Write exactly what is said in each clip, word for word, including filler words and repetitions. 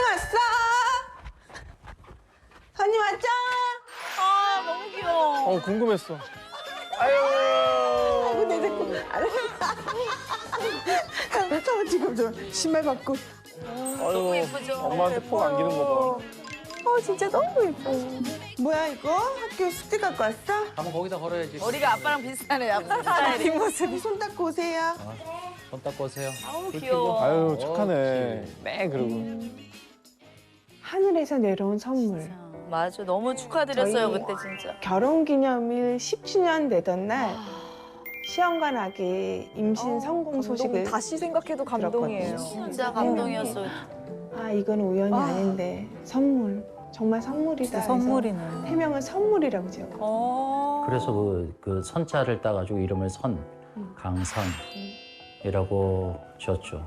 왔어? 선이 왔죠? 아, 너무 귀여워. 어, 궁금했어. 아유. 아이고, 내 데리고. 저 지금 저 신발 벗고. 너무 예쁘죠? 엄마한테 폭 안기는 거 봐. 어, 진짜 너무 예뻐. 뭐야, 이거? 학교 숙제 갖고 왔어? 한번 거기다 걸어야지. 머리가 아빠랑 비슷하네, 아빠 스타일이. 뒷모습이 손 닦고 오세요. 손 닦고 오세요. 아우, 귀여워. 아유, 착하네. 매 그러고. 하늘에서 내려온 선물. 맞아, 너무 축하드렸어요, 저희- 그때 진짜. 결혼기념일 십 주년 되던 날 시험관 아기 임신 성공 소식을 다시 생각해도 감동이에요. 진짜 감동이었어요. 아, 이건 우연이 아. 아닌데 선물. 정말 선물이다. 해서 선물이네. 해명은 선물이라고 지었거든요. 어. 그래서 그, 그 선자를 따가지고 이름을 선, 강선이라고 지었죠.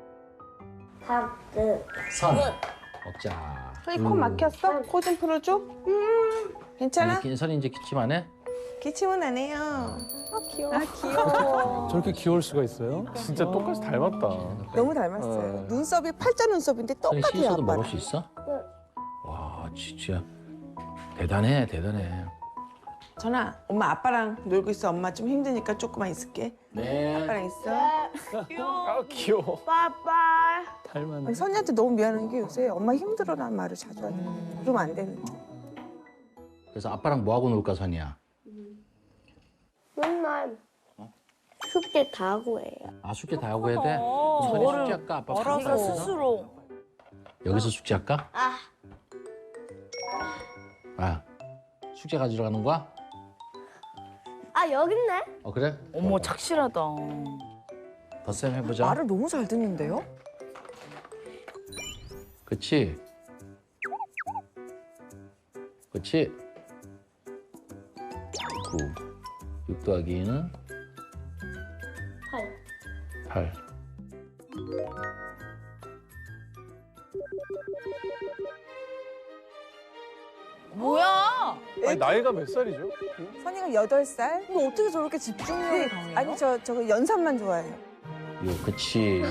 하트. 선. 먹자. 선이 코 막혔어? 코 좀 풀어줘. 음, 괜찮아? 아니, 선이 이제 기침 안 해? 기침은 안 해요. 아, 귀여워. 아, 귀여워. 저렇게 귀여울 수가 있어요? 진짜 똑같이 닮았다. 너무 닮았어요. 어. 눈썹이 팔자 눈썹인데 선이 똑같아요, 실수도 아빠랑. 먹을 수 있어? 와, 진짜 대단해, 대단해. 전아, 엄마 아빠랑 놀고 있어. 엄마 좀 힘드니까 조금만 있을게. 네. 아빠랑 있어. 아, 귀여워. 빠빠. 닮았네. 아니, 선이한테 너무 미안한 게 요새 엄마 힘들어라는 말을 자주 하네. 그러면 안 되는데. 그래서 아빠랑 뭐 하고 놀까, 선이야? 맨날 숙제 다 하고 해요. 아, 숙제 다 하고 해야 돼? 어, 선이 뭐를 숙제할까? 아빠 네가 숙제할까? 스스로. 여기서 숙제할까? 아, 아, 숙제 가지러 가는 거야? 아 여기 있네. 어, 그래? 어머, 착실하다. 덧셈 해보자. 말을 너무 잘 듣는데요? 그치? 그치? 구. 육 더하기 이는 팔. 팔. 뭐야? 아니, 나이가 몇 살이죠? 선이가 여덟 살. 근데 어떻게 저렇게 집중력이 강해요? 아니, 저, 저거 연산만 좋아해요. 육, 그치?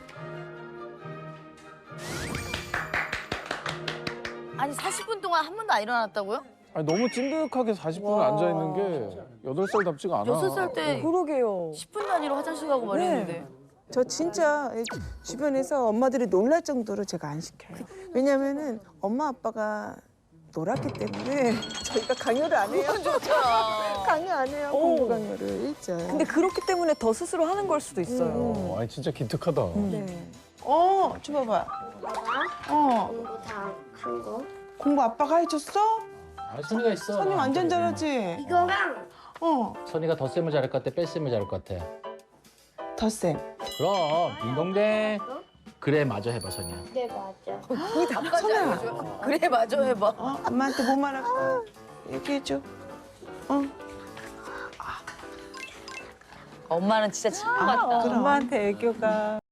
아니, 사십 분 동안 한 번도 안 일어났다고요? 아니, 너무 찐득하게 사십 분을 앉아있는 게 여덟 살답지가 않아. 여섯 살 때 그러게요. 십 분 단위로 화장실 가고 말했는데. 저 진짜 주변에서 엄마들이 놀랄 정도로 제가 안 시켜요. 왜냐면은 엄마 아빠가 놀았기 때문에 저희가 강요를 안 해요. 좋다. 강요 안 해요. 공부 강요를 일절. 근데 그렇기 때문에 더 스스로 하는 걸 수도 있어요. 어, 아니, 진짜 기특하다. 네. 어, 줘봐봐. 어, 공부 다 한 거. 공부 아빠가 해줬어? 아, 선이가 있어. 선이 완전 잘하지? 이거랑 어, 선이가 덧셈을 잘할 것 같아? 뺄셈을 잘할 것 같아? 덧셈. 그럼, 딩동댕. 그래, 마저 해봐, 선이야. 네 맞아. 아빠 잘해줘. 그래, 맞아, 해봐. 어, 엄마한테 뭐 말할까? 얘기해줘. 어, 엄마는 진짜 친구 같다. 그럼. 엄마한테 애교가.